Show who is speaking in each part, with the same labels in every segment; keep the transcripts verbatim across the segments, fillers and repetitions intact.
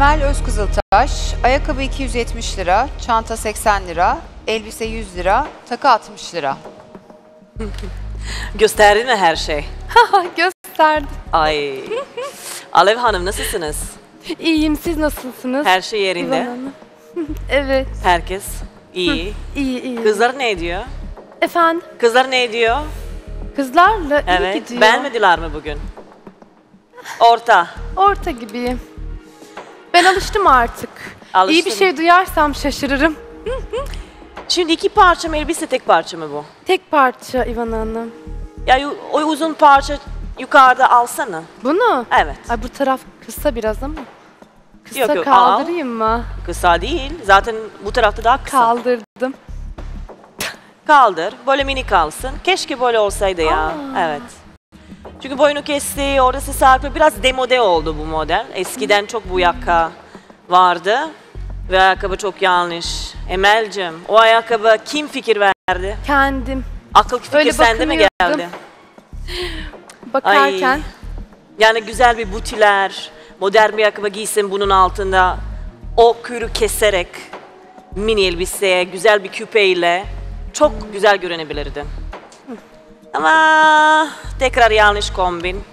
Speaker 1: Emel Özkızıltaş, ayakkabı iki yüz yetmiş lira, çanta seksen lira, elbise yüz lira, takı altmış lira.
Speaker 2: Gösterdin mi her şey?
Speaker 3: Gösterdim.
Speaker 2: Ay. Alev Hanım nasılsınız?
Speaker 3: İyiyim, siz nasılsınız?
Speaker 2: Her şey
Speaker 3: İvan
Speaker 2: yerinde.
Speaker 3: Hanım. Evet.
Speaker 2: Herkes iyi.
Speaker 3: İyi, iyi.
Speaker 2: Kızlar ne ediyor?
Speaker 3: Efendim?
Speaker 2: Kızlar ne ediyor?
Speaker 3: Kızlarla iyi
Speaker 2: Evet.
Speaker 3: gidiyor.
Speaker 2: Beğenmediler mi bugün? Orta.
Speaker 3: Orta gibiyim. Ben alıştım artık.
Speaker 2: Alıştın.
Speaker 3: İyi bir şey duyarsam şaşırırım.
Speaker 2: Şimdi iki parça mı elbise, tek parça mı bu?
Speaker 3: Tek parça İvan Hanım.
Speaker 2: Ya o uzun parça yukarıda alsana.
Speaker 3: Bunu?
Speaker 2: Evet.
Speaker 3: Ay bu taraf kısa biraz ama. Kısa
Speaker 2: Yok, yok,
Speaker 3: kaldırayım mı?
Speaker 2: Kısa değil. Zaten bu tarafta daha kısa.
Speaker 3: Kaldırdım.
Speaker 2: Kaldır. Böyle mini kalsın. Keşke böyle olsaydı ya.
Speaker 3: Aa.
Speaker 2: Evet. Çünkü boynu kesti, orası sarkı. Biraz demode oldu bu model. Eskiden çok bu yaka vardı. Ve ayakkabı çok yanlış. Emel'cim, o ayakkabı kim fikir verdi?
Speaker 3: Kendim.
Speaker 2: Akıl fikir
Speaker 3: Öyle
Speaker 2: sende mi
Speaker 3: bakınıyordum.
Speaker 2: geldi?
Speaker 3: Bakarken.
Speaker 2: Ay. Yani güzel bir butiler, modern bir ayakkabı giysin bunun altında. O kürü keserek, mini elbiseye, güzel bir küpeyle çok güzel görünebilirdi. Ama tekrar yanlış kombin.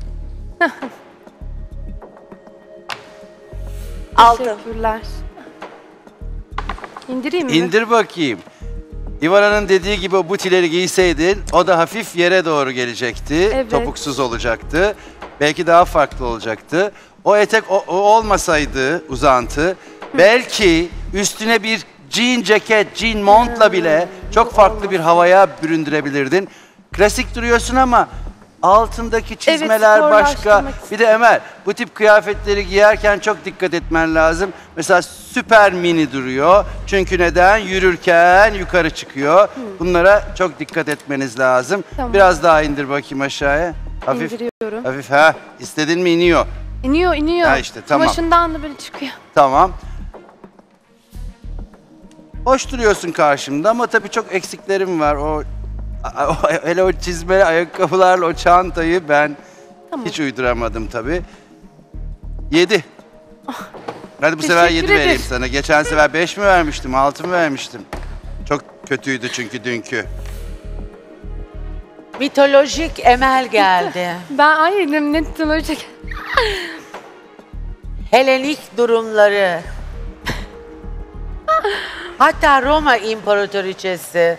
Speaker 2: Altı.
Speaker 3: Teşekkürler. İndireyim mi?
Speaker 4: İndir bakayım. İvana'nın dediği gibi o butileri giyseydin o da hafif yere doğru gelecekti.
Speaker 3: Evet.
Speaker 4: Topuksuz olacaktı. Belki daha farklı olacaktı. O etek o, o olmasaydı uzantı belki üstüne bir jean ceket, jean montla bile çok farklı bir havaya büründürebilirdin. Klasik duruyorsun ama altındaki çizmeler
Speaker 3: Evet,
Speaker 4: başka.
Speaker 3: sporlaştırmak
Speaker 4: Bir de Emel, bu tip kıyafetleri giyerken çok dikkat etmen lazım. Mesela süper mini duruyor. Çünkü neden? Yürürken yukarı çıkıyor. Bunlara çok dikkat etmeniz lazım.
Speaker 3: Tamam.
Speaker 4: Biraz daha indir bakayım aşağıya. Hafif,
Speaker 3: İndiriyorum.
Speaker 4: hafif ha. İstedin mi iniyor.
Speaker 3: İniyor, iniyor.
Speaker 4: Ha işte, tamam.
Speaker 3: Kumaşından da böyle çıkıyor.
Speaker 4: Tamam. Hoş duruyorsun karşımda ama tabii çok eksiklerim var. O, o hele o çizmeli ayakkabılarla o çantayı ben
Speaker 3: Tamam.
Speaker 4: hiç uyduramadım tabii. Yedi. Hadi bu sefer
Speaker 3: Teşekkür
Speaker 4: yedi
Speaker 3: ederim.
Speaker 4: vereyim sana. Geçen sefer beş mi vermiştim, altı mı vermiştim? Çok kötüydü çünkü dünkü.
Speaker 5: Mitolojik Emel geldi.
Speaker 3: Ben ay ne, ne olacak?
Speaker 5: Helenik durumları. Hatta Roma İmparatoriçesi.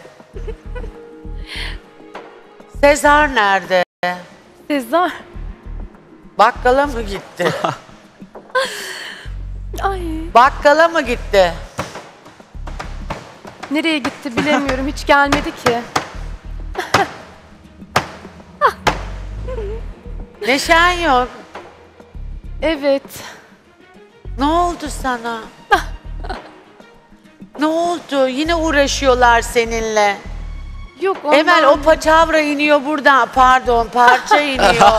Speaker 5: Sezar nerede?
Speaker 3: Sezar.
Speaker 5: Bakkala mı gitti?
Speaker 3: Ay
Speaker 5: Bakkala mı gitti?
Speaker 3: nereye gitti bilemiyorum. Hiç gelmedi ki.
Speaker 5: Neşen yok.
Speaker 3: Evet.
Speaker 5: Ne oldu sana? Ne oldu? Yine uğraşıyorlar seninle.
Speaker 3: Yok ondan.
Speaker 5: Emel o paçavra iniyor buradan. Pardon, parça iniyor.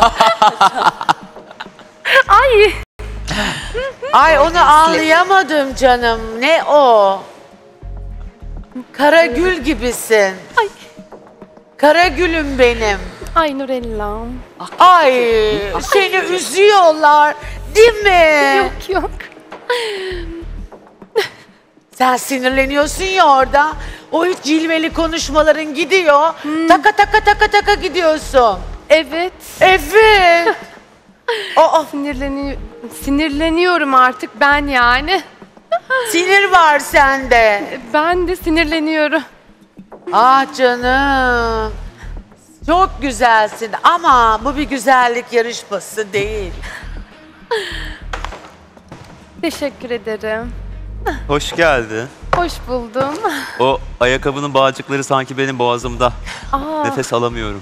Speaker 3: Ay.
Speaker 5: Ay onu anlayamadım canım. Ne o? Kara gül gibisin.
Speaker 3: Ay.
Speaker 5: Kara gülüm benim.
Speaker 3: Ay Nurellam.
Speaker 5: Ay seni üzüyorlar. Değil mi?
Speaker 3: Yok yok.
Speaker 5: Sen sinirleniyorsun ya orada. O hiç cilveli konuşmaların gidiyor. Taka taka taka taka gidiyorsun.
Speaker 3: Evet.
Speaker 5: Evet. Aa,
Speaker 3: Sinirleni sinirleniyorum artık ben yani.
Speaker 5: sinir var sende.
Speaker 3: Ben de sinirleniyorum.
Speaker 5: Ah canım. Çok güzelsin ama bu bir güzellik yarışması değil.
Speaker 3: Teşekkür ederim.
Speaker 6: Hoş geldi.
Speaker 3: Hoş buldum.
Speaker 6: O ayakkabının bağcıkları sanki benim boğazımda.
Speaker 3: Aa,
Speaker 6: Nefes alamıyorum.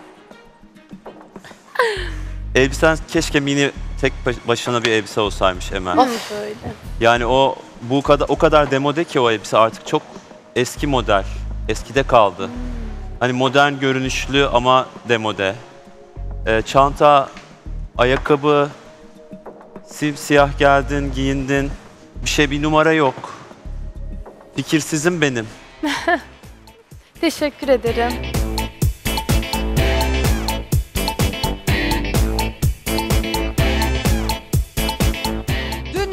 Speaker 6: Elbisen keşke mini tek baş- başına bir elbise olsaymış Emel.
Speaker 3: of öyle.
Speaker 6: Yani o bu kadar o kadar demode ki o elbise artık çok eski model. Eskide kaldı. Hani modern görünüşlü ama demode. Ee, çanta, ayakkabı, simsiyah geldin, giyindin. Bir şey bir numara yok. Fikirsizim benim.
Speaker 3: Teşekkür ederim.